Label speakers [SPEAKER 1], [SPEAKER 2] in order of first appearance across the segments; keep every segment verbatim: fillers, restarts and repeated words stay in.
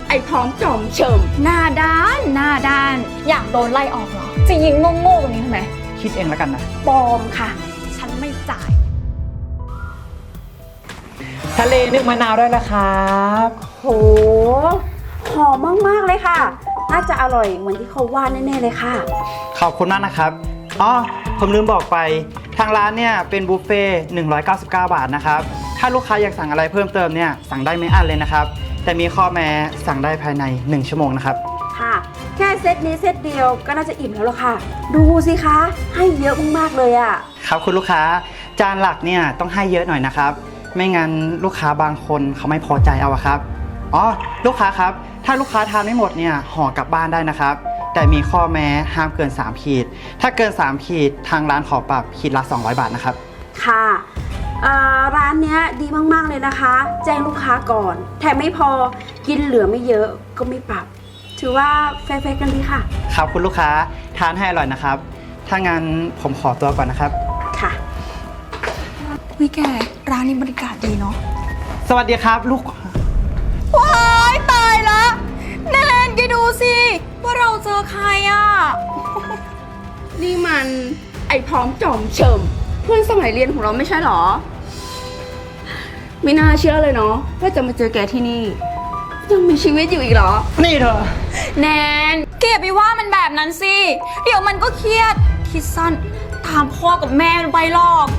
[SPEAKER 1] ไอ้พร้อมจอมเฉิมหน้าด้านหน้าด้านอยากโดนไล่ออกเหรอจะยิงโง่ๆตรงนี้ทำไม
[SPEAKER 2] คิดเองแล้วกันนะ
[SPEAKER 1] ปลอมค่ะฉันไม่จ่าย
[SPEAKER 2] ทะเลนึ่งมะนาวได้แล้วครับ
[SPEAKER 1] โหหอมมากๆเลยค่ะน่าจะอร่อยเหมือนที่เขาว่าแน่ๆเลยค่ะ
[SPEAKER 2] ขอบคุณมากนะครับอ๋อผมลืมบอกไปทางร้านเนี่ยเป็นบุฟเฟ่ต์หนึ่งร้อยเก้าสิบเก้าบาทนะครับถ้าลูกค้าอยากสั่งอะไรเพิ่มเติมเนี่ยสั่งได้ไม่อั้นเลยนะครับแต่มีข้อแม้สั่งได้ภายในหนึ่งชั่วโมงนะครับ
[SPEAKER 1] ค่ะแค่เซตนี้เซตเดียวก็น่าจะอิ่มแล้วล่ะค่ะดูสิคะให้เยอะมากๆเลยอ่ะ
[SPEAKER 2] ครับคุณลูกค้าจานหลักเนี่ยต้องให้เยอะหน่อยนะครับไม่งั้นลูกค้าบางคนเขาไม่พอใจเอาครับอ๋อลูกค้าครับถ้าลูกค้าทานไม่หมดเนี่ยห่อกลับบ้านได้นะครับแต่มีข้อแม้ห้ามเกินสามขีดถ้าเกินสามขีดทางร้านขอปรับขีดละสองร้อยบาทนะครับ
[SPEAKER 1] ค่ะร้านนี้ดีมากๆเลยนะคะแจ้งลูกค้าก่อนแถมไม่พอกินเหลือไม่เยอะก็ไม่ปรับถือว่าแฟร์ๆกันดีค่ะ
[SPEAKER 2] ครับคุณลูกค้าทานให้อร่อยนะครับถ้างั้นผมขอตัวก่อนนะครับ
[SPEAKER 1] ค่ะ
[SPEAKER 3] วิแกร้านนี้บรรยากาศดีเนาะ
[SPEAKER 2] สวัสดีครับลูก
[SPEAKER 3] ว้ายตายละแนนแกดูสิว่าเราเจอใครอ่ะ
[SPEAKER 1] นี่มันไอ้พร้อมจอมเฉิมเพื่อนสมัยเรียนของเราไม่ใช่หรอไม่น่าเชื่อเลยเนาะว่าจะมาเจอแกที่นี่ยังมีชีวิตอยู่อีกเหรอ
[SPEAKER 2] นี่เธอ
[SPEAKER 3] แนนเก็บไปว่ามันแบบนั้นสิเดี๋ยวมันก็เครียดคิดสั้นตามพ่อกับแม่ไปหรอก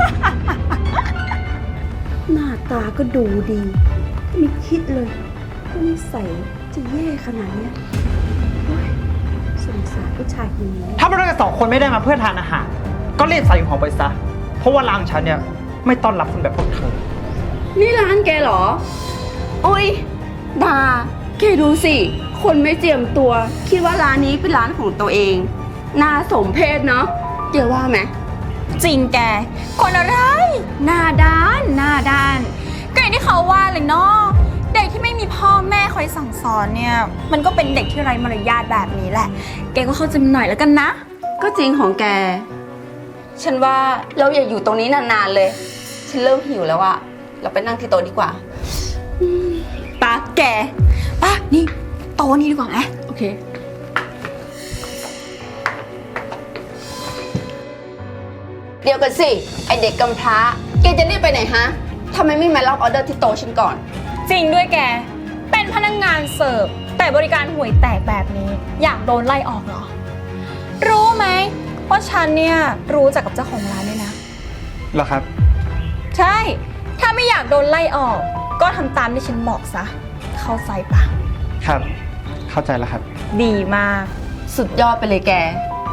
[SPEAKER 1] หน้าตาก็ดูดีไม่คิดเลยว่านิสัยจะแย่ขนาดนี้สงสารผู้ชายคนนี้
[SPEAKER 2] ถ้าพวกเราสองคนไม่ได้มาเพื่อทานอาหารก็รีบใส่ของไปซะเพราะว่าร้านฉันเนี่ยไม่ต้อนรับคนแบบพวกเธอ
[SPEAKER 1] นี่ร้านแกเหรอโอ้ยดาแกดูสิคนไม่เจียมตัวคิดว่าร้านนี้เป็นร้านของตัวเองน่าสมเพชเนาะเดี๋ยวว่าไหม
[SPEAKER 3] จริงแกคนอะไร
[SPEAKER 1] หน้าด้านหน้าด้าน
[SPEAKER 3] ก็อย่างที่เขาว่าเลยเนาะเด็กที่ไม่มีพ่อแม่คอยสั่งสอนเนี่ยมันก็เป็นเด็กที่ไร้มารยาทแบบนี้แหละแกก็เข้าใจมันหน่อยแล้วกันนะ
[SPEAKER 1] ก็จริงของแกฉันว่าเราอย่าอยู่ตรงนี้นานๆเลยฉันเริ่มหิวแล้วอะเราไปนั่งที่โต๊ะดีกว่า
[SPEAKER 3] ปะแกปะนี่โต๊ะนี้ดีกว่าไหม
[SPEAKER 1] โอเคเดี๋ยวกันสิไอเด็กกำพร้าแกจะรีบไปไหนฮะทำไมไม่มารับออเดอร์ที่โต๊ะฉันก่อน
[SPEAKER 3] จริงด้วยแกเป็นพนักงานเสิร์ฟแต่บริการห่วยแตกแบบนี้อยากโดนไล่ออกเหรอรู้ไหมว่าฉันเนี่ยรู้จักกับเจ้าของร้านด้วยนะ
[SPEAKER 2] เหรอครับ
[SPEAKER 3] ใช่ถ้าไม่อยากโดนไล่ออกก็ทำตามที่ฉันบอกซะเข้าใจปะ
[SPEAKER 2] ครับเข้าใจแล้วครับ
[SPEAKER 3] ดีมาก
[SPEAKER 1] สุดยอดไปเลยแก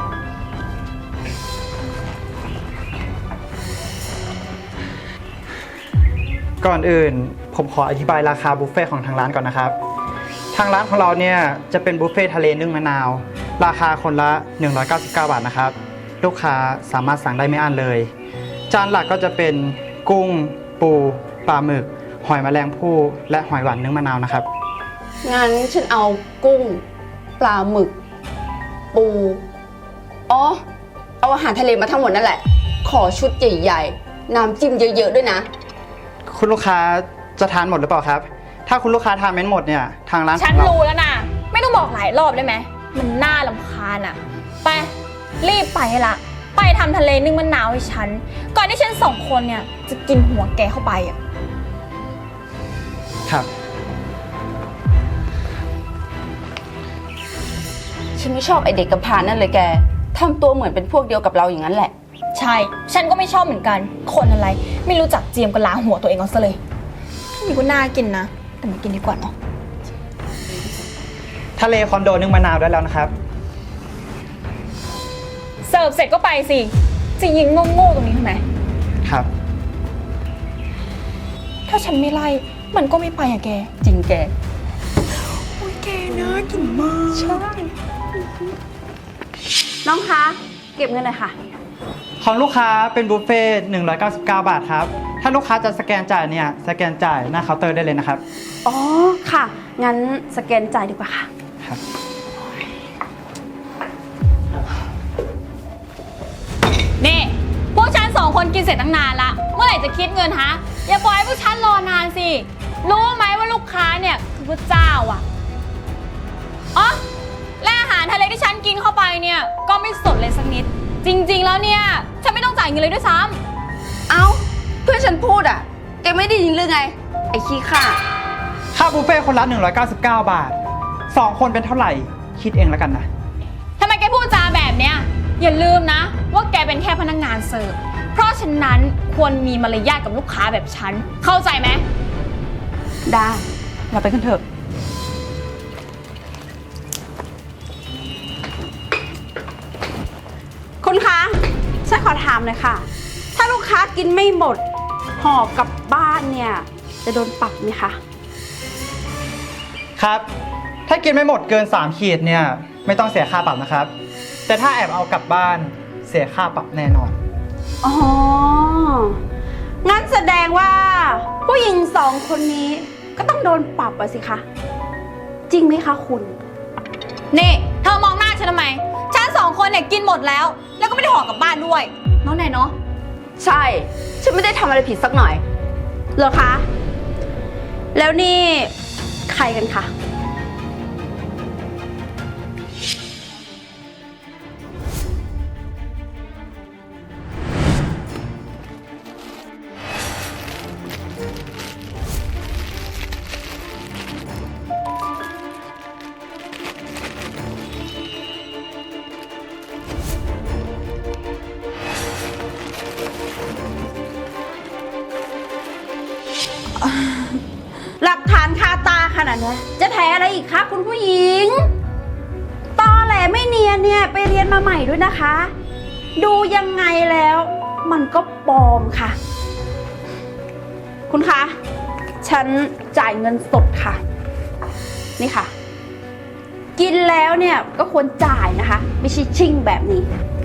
[SPEAKER 2] ก่อนอื่นผมขออธิบายราคาบุฟเฟ่ของทางร้านก่อนนะครับทางร้านของเราเนี่ยจะเป็นบุฟเฟ่ทะเลนึ่งมะนาวราคาคนละหนึ่งร้อยเก้าสิบเก้าบาทนะครับลูกค้าสามารถสั่งได้ไม่อั้นเลยจานหลักก็จะเป็นกุ้งปูปลาหมึกหอยแมลงภู่และหอยหวานนึ่งมะนาวนะครับ
[SPEAKER 1] งั้นฉันเอากุ้งปลาหมึกปูอ๋อเอาอาหารทะเลมาทั้งหมดนั่นแหละขอชุดใหญ่ๆน้ำจิ้มเยอะๆด้วยนะ
[SPEAKER 2] คุณลูกค้าจะทานหมดหรือเปล่าครับถ้าคุณลูกค้าทานไม่หมดเนี่ยทางร้าน
[SPEAKER 3] ฉันรู้แล้วนะไม่ต้องบอกหลายรอบได้ไหมมันน่ารำคาญอ่ะไปรีบไปละไปทำทะเลนึ่งมะนาวให้ฉันก่อนที่ฉันสองคนเนี่ยจะกินหัวแกเข้าไปอ่ะ
[SPEAKER 2] ครับ
[SPEAKER 1] ฉันไม่ชอบไอเด็กกำพร้านั่นเลยแกทำตัวเหมือนเป็นพวกเดียวกับเราอย่างนั้นแหละ
[SPEAKER 3] ใช่ฉันก็ไม่ชอบเหมือนกันคนอะไรไม่รู้จักเจียมกับล้างหัวตัวเองเอาซะเลยนี่ก็น่ากินนะแต่มากินดีกว่าเนาะ
[SPEAKER 2] ทะเลคอนโดนึ่งมะนาวได้แล้วนะครับ
[SPEAKER 3] เสิร์ฟเสร็จก็ไปสิจะยิงโง่ๆตรงนี้ทำไม
[SPEAKER 2] ครับ
[SPEAKER 3] ถ้าฉันไม่ไล่มันก็ไม่ไปอะแก
[SPEAKER 1] จริงแก
[SPEAKER 3] โอ้ยแกน่ากินมาก
[SPEAKER 1] ใช่น้องคะเก็บเงินหน่อยค่ะ
[SPEAKER 2] ของลูกค้าเป็นบุฟเฟ่ต์หนึ่งร้อยเก้าสิบเก้าบาทครับถ้าลูกค้าจะสแกนจ่ายเนี่ยสแกนจ่ายหน้าเคาน์เตอร์ได้เลยนะครับ
[SPEAKER 1] อ๋อค่ะงั้นสแกนจ่ายดีกว่าค่ะ
[SPEAKER 2] ครับ
[SPEAKER 3] นี่พวกฉันสองคนกินเสร็จตั้งนานละเมื่อไหร่จะคิดเงินฮะอย่าปล่อยให้พวกฉันรอนานสิรู้ไหมว่าลูกค้าเนี่ยคือพระเจ้าอ่ะกินเข้าไปเนี่ยก็ไม่สนเลยสักนิด จริงๆแล้วเนี่ยฉันไม่ต้องจ่ายเงินเลยด้วยซ้
[SPEAKER 1] เอ้า เพื่อนฉันพูดอ่ะ แกไม่ได้ยินหรือไง ไอ้ขี้ข้า
[SPEAKER 2] ค่าบุฟเฟ่ต์คนละหนึ่งร้อยเก้าสิบเก้าบาทสองคนเป็นเท่าไหร่คิดเองแล้วกันนะ
[SPEAKER 3] ำทำไมแกพูดจาแบบเนี้ยอย่าลืมนะว่าแกเป็นแค่พนักงานเสิร์ฟ เพราะฉะนั้นควรมีมารยาทกับลูกค้าแบบฉัน เข้าใจไหม
[SPEAKER 1] ได้ เราไปกันเถอะ คุณคะฉันขอถามหน่อยค่ะ ถ้าลูกค้ากินไม่หมดห่อกลับบ้านเนี่ย จะโดนปรับไหมคะ
[SPEAKER 2] ครับ ถ้ากินไม่หมดเกินสามขีดเนี่ยไม่ต้องเสียค่าปรับนะครับ แต่ถ้าแอบเอากลับบ้านเสียค่าปรับแน่นอน
[SPEAKER 1] อ๋อ งั้นแสดงว่า ผู้หญิงสองคนนี้ก็ต้องโดนปรับอะสิคะ จริงไหมคะคุณ
[SPEAKER 3] นี่เธอมองหน้าฉันทำไม ฉันสองคนเนี่ยกินหมดแล้ว แล้วก็ไม่ได้ห่อกลับบ้านด้วยเน้องไหนเนาะ
[SPEAKER 1] ใช่ ฉันไม่ได้ทำอะไรผิดสักหน่อยเหรอคะ แล้วนี่ใครกันคะ หลักฐานคาตาขนาดนี้จะแถอะไรอีกคะคุณผู้หญิง ตอแหลไม่เนียนเนี่ยไปเรียนมาใหม่ด้วยนะคะ ดูยังไงแล้ว มันก็ปลอมค่ะ คุณคะ ฉันจ่ายเงินสดค่ะ นี่ค่ะ กินแล้วเนี่ยก็ควรจ่ายนะคะ ไม่ใช่ชิ่งแบบนี้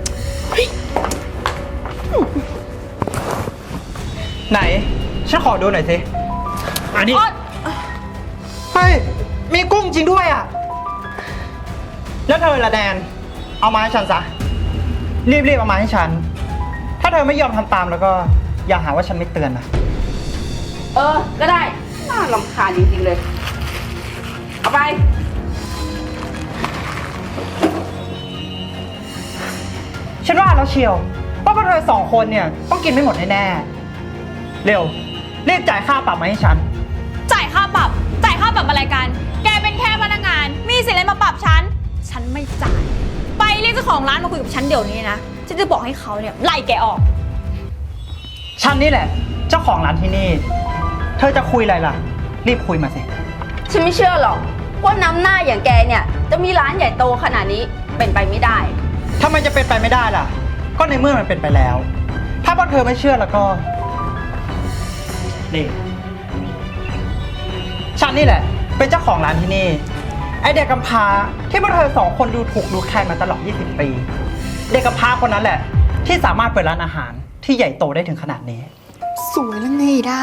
[SPEAKER 2] ไหนฉันขอดูหน่อยสิอันนี้
[SPEAKER 3] อ๊อด
[SPEAKER 2] เฮ้ยมีกุ้งจริงด้วยอ่ะแล้วเธอละแดนเอามาให้ฉันซะรีบๆเอามาให้ฉันถ้าเธอไม่ยอมทำตามแล้วก็อย่าหาว่าฉันไม่เตือนนะ
[SPEAKER 1] เออ ก็ได้ น่ารำคาญจริงๆเลย เอาไป
[SPEAKER 2] ฉันว่าแล้วเชียวว่าพวกเธอสองคนเนี่ยต้องกินไม่หมดแน่ๆเร็วรีบจ่ายค่าปรับมาให้ฉัน
[SPEAKER 3] จ่ายค่าปรับ จ่ายค่าปรับอะไรกัน แกเป็นแค่พนักงาน มีสิทธิ์อะไรมาปรับฉัน ฉันไม่จ่าย ไปเรียกเจ้าของร้านมาคุยกับฉันเดี๋ยวนี้นะ ฉันจะบอกให้เขาเนี่ยไล่แกออก
[SPEAKER 2] ฉันนี่แหละเจ้าของร้านที่นี่ เธอจะคุยอะไรล่ะ รีบคุยมาสิ
[SPEAKER 1] ฉันไม่เชื่อหรอกว่าน้ำหน้าอย่างแกเนี่ย จะมีร้านใหญ่โตขนาดนี้เป็นไปไม่ได้
[SPEAKER 2] ทำไมจะเป็นไปไม่ได้ล่ะ ก็ในเมื่อมันเป็นไปแล้ว ถ้าพวกเธอไม่เชื่อแล้วก็นี่ฉันนี่แหละ เป็นเจ้าของร้านที่นี่ ไอเด็กกำพร้าที่พวกเธอสองคนดูถูกดูแคลนมาตลอดยี่สิบปี เด็กกำพร้าคนนั้นแหละ ที่สามารถเปิดร้านอาหารที่ใหญ่โตได้ถึงขนาดนี้
[SPEAKER 4] สวยแล้วไงด้า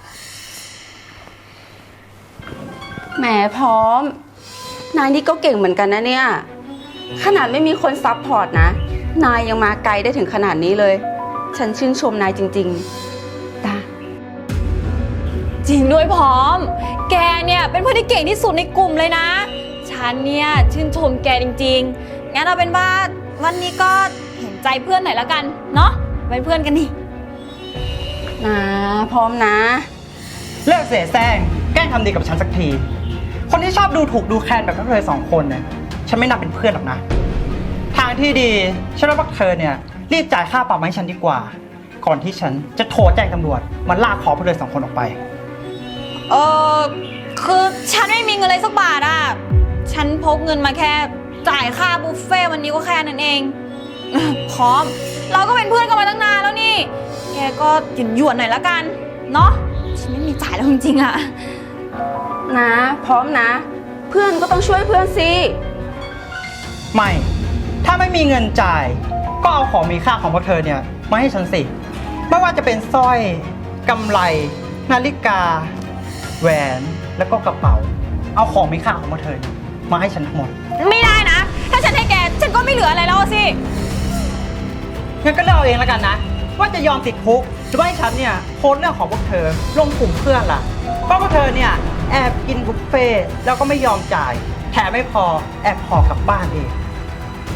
[SPEAKER 1] แหมพร้อม นายนี่ก็เก่งเหมือนกันนะเนี่ย ขนาดไม่มีคนซัพพอร์ตนะ นายยังมาไกลได้ถึงขนาดนี้เลย ฉันชื่นชมนายจริงๆตา
[SPEAKER 3] จริงด้วยพร้อม แกเนี่ยเป็นเพื่อนที่เก่งที่สุดในกลุ่มเลยนะ ฉันเนี่ยชื่นชมแกจริงๆ งั้นเอาเป็นว่าวันนี้ก็เห็นใจเพื่อนหน่อยแล้วกัน เนาะเป็นเพื่อนกันนี่
[SPEAKER 1] นะพร้อมนะ
[SPEAKER 2] เลิกเสแสร้งแกล้งทำดีกับฉันสักที คนที่ชอบดูถูกดูแคลนแบบพวกเธอสองคนเนี่ยฉันไม่นับเป็นเพื่อนหรอกนะ ทางที่ดีฉันว่าพวกเธอเนี่ยรีบจ่ายค่าปรับมาให้ฉันดีกว่า ก่อนที่ฉันจะโทรแจ้งตำรวจมาลากคอพวกเธอสองคนออกไป
[SPEAKER 3] เออคือฉันไม่มีเงินเลยสักบาทอ่ะ ฉันพกเงินมาแค่จ่ายค่าบุฟเฟ่ต์วันนี้ก็แค่นั้นเอง พร้อม เราก็เป็นเพื่อนกันมาตั้งนานแล้วนี่ แกก็หยุ่นหยวนๆหน่อยละกัน เนาะฉันไม่มีจ่ายแล้วจริงๆอ่ะ
[SPEAKER 1] นะพร้อมนะ เพื่อนก็ต้องช่วยเพื่อนสิ
[SPEAKER 2] ไม่ ถ้าไม่มีเงินจ่าย ก็เอาของมีค่าของพวกเธอเนี่ยมาให้ฉันสิ ไม่ว่าจะเป็นสร้อยกำไล นาฬิกา แหวน แล้วก็กระเป๋า เอาของมีค่าของพวกเธอเนี่ยมาให้ฉันทั้งหมด
[SPEAKER 3] ไม่ได้นะ ถ้าฉันให้แก ฉันก็ไม่เหลืออะไรแล้วสิ
[SPEAKER 2] งั้นก็เลือกเอาเองแล้วกันนะ ว่าจะยอมติดคุกหรือว่าให้ฉันเนี่ยโพสต์เรื่องของพวกเธอลงกลุ่มเพื่อนล่ะเพราะพวกเธอเนี่ยแอบกินบุฟเฟ่ต์แล้วก็ไม่ยอมจ่าย แถมไม่พอแอบห่อกลับบ้านเอง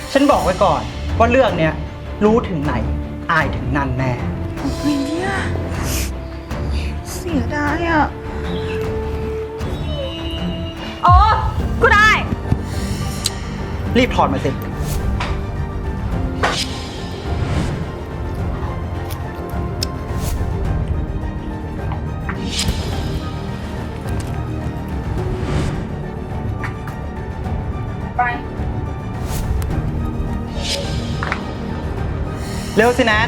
[SPEAKER 2] ฉันบอกไว้ก่อนว่าเรื่องเนี้ยรู้ถึงไหน อายถึงนั่นแน่
[SPEAKER 4] ไอ้เนี่ยเสียดายอ่ะ
[SPEAKER 3] โอ้ก็ได้
[SPEAKER 2] รีบถอดมาสิ
[SPEAKER 1] ไป
[SPEAKER 2] เร็วสิแนน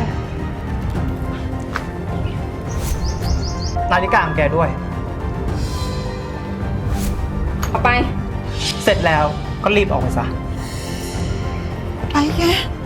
[SPEAKER 2] นาฬิกาของแกด้วย
[SPEAKER 1] เอาไป
[SPEAKER 2] เสร็จแล้วก็รีบออกไปซะ
[SPEAKER 4] ไปแก